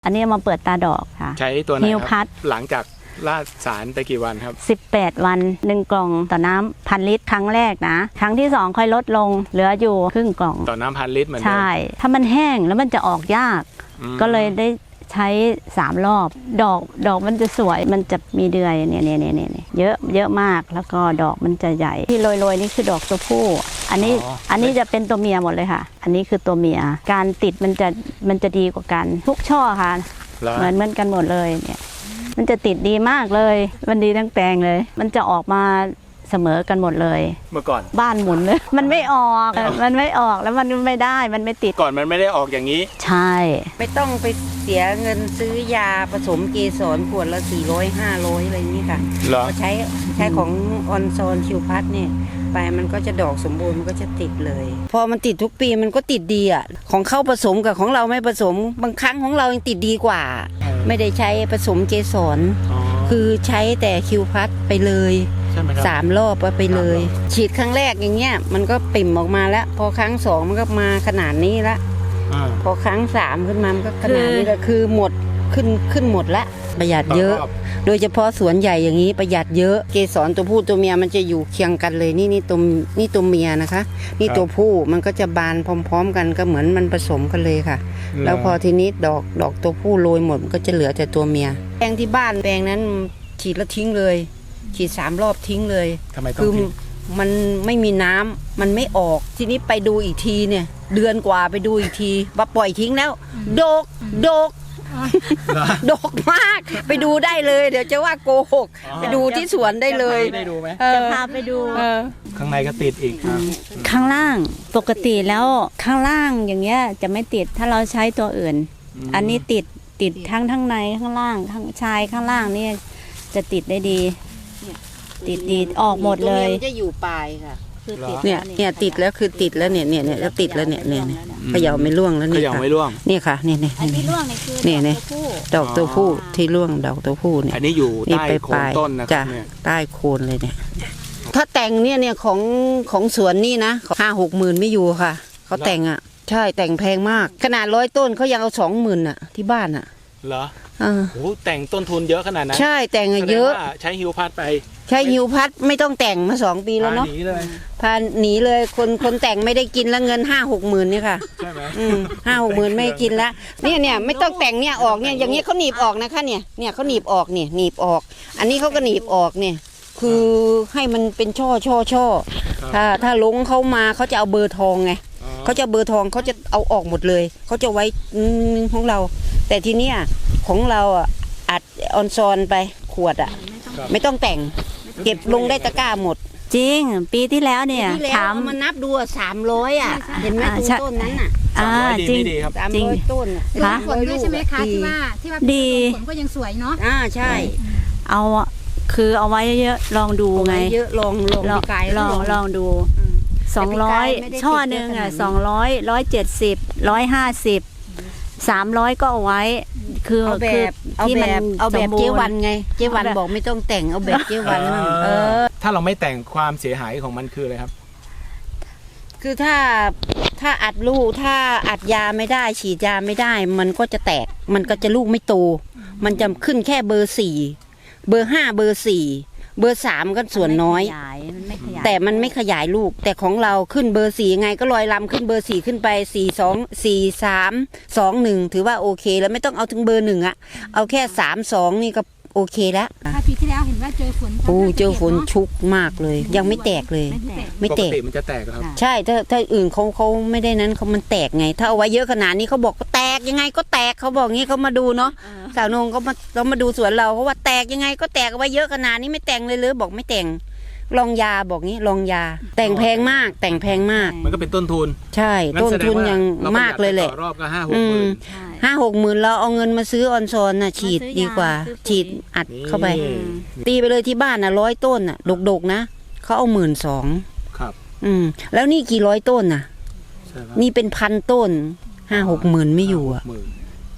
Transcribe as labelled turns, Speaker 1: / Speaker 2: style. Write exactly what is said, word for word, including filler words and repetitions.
Speaker 1: อันนี้มาเปิดตาดอกค่ะ
Speaker 2: ใช้ตัวไหนครับหลังจากราดสารไปกี่วันครับ
Speaker 1: สิบแปดวันหนึ่งกล่องต่อน้ำพันลิตรครั้งแรกนะครั้งที่สองค่อยลดลงเหลืออยู่ครึ่งกล่อง
Speaker 2: ต่อน้ำพันลิตรเหมือนเดิม
Speaker 1: ใช่ถ้ามันแห้งแล้วมันจะออกยากก็เลยได้ใช้สามรอบดอกดอกมันจะสวยมันจะมีเดือยเนี่ยเนี่ยเนี่ยเนี่ยเยอะเยอะมากแล้วก็ดอกมันจะใหญ่ที่โรยๆนี่คือดอกตัวผู้อันนี้อันนี้จะเป็นตัวเมียหมดเลยค่ะอันนี้คือตัวเมียการติดมันจะมันจะดีกว่ากันทุกช่อค่ะเหมือนเหมือนกันหมดเลยเนี่ยมันจะติดดีมากเลยมันดีทั้งแปลงเลยมันจะออกมาเสมอกันหมดเลย
Speaker 2: เมื่อก่อน
Speaker 1: บ้านหมุนเลยมันไม่ออกมันไม่ออกแล้วมันไม่ได้มันไม่ติด
Speaker 2: ก่อนมันไม่ได้ออกอย่างนี้
Speaker 1: ใช่
Speaker 3: ไม่ต้องไปเสียเงินซื้อยาผสมเกสรขวดละสี่ร้อยห้าร้อยอะไรนี้ค่ะใช้ใช้ของออนโซนคิวพัทเนี่ยไปมันก็จะดอกสมบูรณ์มันก็จะติดเลยพอมันติดทุกปีมันก็ติดดีอ่ะของเข้าผสมกับของเราไม่ผสมบางครั้งของเรายังติดดีกว่าไม่ได้ใช้ผสมเกสรคือใช้แต่คิวพัทไปเลยสามรอบไปเลยฉีดครั้งแรกอย่างเงี้ยมันก็ปิ่มออกมาแล้วพอครั้งสองมันก็มาขนาดนี้ละพอครั้งสามขึ้นมามันก็ขนาดนี้ก็คือหมดขึ้นขึ้นหมดละประหยัดเยอะโดยเฉพาะสวนใหญ่อย่างนี้ประหยัดเยอะเกสรตัวผู้ตัวเมียมันจะอยู่เคียงกันเลยนี่นี่ตัวนี่ตัวเมียนะคะนี่ตัวผู้มันก็จะบานพร้อมๆกันก็เหมือนมันผสมกันเลยค่ะแล้วพอทีนี้ดอกดอกตัวผู้โรยหมดมันก็จะเหลือแต่ตัวเมียแปลงที่บ้านแปลงนั้นฉีดแล้วทิ้งเลยฉีดสามรอบทิ้งเลยคือมันไม่มีน้ำมันไม่ออกทีนี้ไปดูอีกทีเนี่ยเดือนกว่าไปดูอีกทีว่าปล่อยทิ้งแล้วดกดกดกมากไปดูได้เลยเดี๋ยวจะว่าโกหกไปดูที่สวนได้เลย
Speaker 2: ได้ดูไหม
Speaker 1: จะพาไปดู
Speaker 2: ข้างในก็ติดอีก
Speaker 1: ข้างล่างปกติแล้วข้างล่างอย่างเงี้ยจะไม่ติดถ้าเราใช้ตัวอื่นอันนี้ติดติดทั้งทั้งในข้างล่างข้างชายข้างล่างนี่จะติดได้ดีติดดีออกหมดเลย
Speaker 3: มันจะอยู่ปลายค่ะเนี่ยเนี่ยติดแล้วคือติดแล้วเนี่ยเนี่ยเนี่ยแล้วติดแล้วเนี่ยเนี่ยเขย่าไม่ร่วงแล้วเนี่ย
Speaker 2: เขย่าไม่ร่วง
Speaker 3: นี่ค่ะเนี่ยเนี่ย
Speaker 1: อันที่ร่วงนี่คือ
Speaker 3: เนี่ยเนี่ยดอกตัวผู้ที่ร่วงดอกตัวผู้เนี่ย
Speaker 2: อันนี้อยู่ใต้โคนต้นนะครับเนี่ย
Speaker 3: ใต้โคนเลยเนี่ยถ้าแต่งเนี่ยเนี่ยของของสวนนี่นะห้าหกหมื่นไม่อยู่ค่ะเขาแต่งอ่ะใช่แต่งแพงมากขนาดร้อยต้นเขายังเอาสองหมื่นอ่ะที่บ้านอ่ะ
Speaker 2: เหรอโอ้โหแต่งต้นทุนเยอะขนาดนั้น
Speaker 3: ใช่แต่งเยอะ
Speaker 2: ใช้ฮิวพัดไป
Speaker 3: ใช้ฮิวพัดไม่ต้องแต่งมาสองปีแล้วเนาะพาหนีเลยคนคนแต่งไม่ได้กินแล้วเงินห้าหกหมื่นนี่ค่ะ
Speaker 2: ใช่ไหม
Speaker 3: ห้าหกหมื่นไม่กินแล้วเนี่ยเนี่ยไม่ต้องแต่งเนี่ยออกเนี่ยอย่างเงี้ยเขาหนีบออกนะคะเนี่ยเนี่ยเขาหนีบออกเนี่ยหนีบออก อันนี้เขาก็หนีบออกเนี่ยคือให้มันเป็นช่อช่อช่อถ้าถ้าลงเขามาเขาจะเอาเบอร์ทองไงเขาจะเบอร์ทองเขาจะเอาออกหมดเลยเขาจะไว้ของเราแต่ทีเนี้ยของเราอ่ะอัดออนซอนไปขวดอ่ะไม่ต้องแต่งเก็บลงได้ตะกร้าหมด
Speaker 1: จริงปีที่แล้วเนี่ย
Speaker 3: ถามมานับดูสามร้อยอ่ะเห็นไหมต้นนั้นอ่ะ
Speaker 1: อ่าจริง
Speaker 3: สามร้อยต้น
Speaker 4: ค่ะผลด้วยใช่ไหมคะที่ว่าที่ว่าดีผลก็ยังสวยเนาะ
Speaker 3: อ่าใช่
Speaker 1: เอาคือเอาไว้เยอะลองดูไง
Speaker 3: เยอะลองลอง
Speaker 1: ลองลองดูสองร้อยช่อหนึ่งอ่ะสองร้อยร้อยเจ็ดสิบร้อยห้าสิบสามร้อยก็เอาไว้คือ
Speaker 3: เอาแบบเอาแบบเอาแบบเจวันไงเจวันบอกไม่ต้องแต่งเอาแบบเจวันมั่งเออ
Speaker 2: ถ้าเราไม่แต่งความเสียหายของมันคืออะไรครับ
Speaker 3: คือถ้าถ้าอัดลูกถ้าอัดยาไม่ได้ฉีดยาไม่ได้มันก็จะแตกมันก็จะลูกไม่โตมันจะขึ้นแค่เบอร์สี่เบอร์ห้าเบอร์สี่เบอร์สามก็ส่วนน้อยแต่มันไม่ขยายลูกแต่ของเราขึ้นเบอร์สี่ไงก็ลอยลำขึ้นเบอร์สี่ขึ้นไปสี่สองสี่สามสองหนึ่งถือว่าโอเคแล้วไม่ต้องเอาถึงเบอร์หนึ่งอะเอาแค่สามสองนี่ก็โอเคแล้ว
Speaker 4: ปีที่แล้วเห็นว่าเจอฝน
Speaker 3: โอ้เจอฝนชุกมากเลยยังไม่แตกเลยไม่แตก
Speaker 2: มันจะแตกครับ
Speaker 3: ใช่ถ้าถ้าอื่นเขาเขาไม่ได้นั้นเขามันแตกไงถ้าเอาไว้เยอะขนาดนี้เขาบอกแตกยังไงก็แตกเขาบอกงี้เขามาดูเนาะสาวนงเขามาเขามาดูสวนเราเขาว่าแตกยังไงก็แตกเอาไว้เยอะขนาดนี้ไม่แต่งเลยเลยบอกไม่แต่งลองยาบอกงี้ลองยาแต่งแพงมากแต่งแพงมาก
Speaker 2: มันก็เป็นต้นทุน
Speaker 3: ใช่ต้นทุนยังมากเลยแหละ
Speaker 2: รอบก็ห้าหกหมื่น
Speaker 3: ห้าหกหมื่นเราเอาเงินมาซื้อออนซอนน่ะฉีดดีกว่าฉีดอัดเข้าไปตีไปเลยที่บ้านน่ะร้อยต้นน่ะดกๆนะเขาเอาหมื่นสอง
Speaker 2: ครับ
Speaker 3: อืมแล้วนี่กี่ร้อยต้นน่ะนี่เป็นพันต้นห้าหกหมื่นไม่อยู่อ่ะ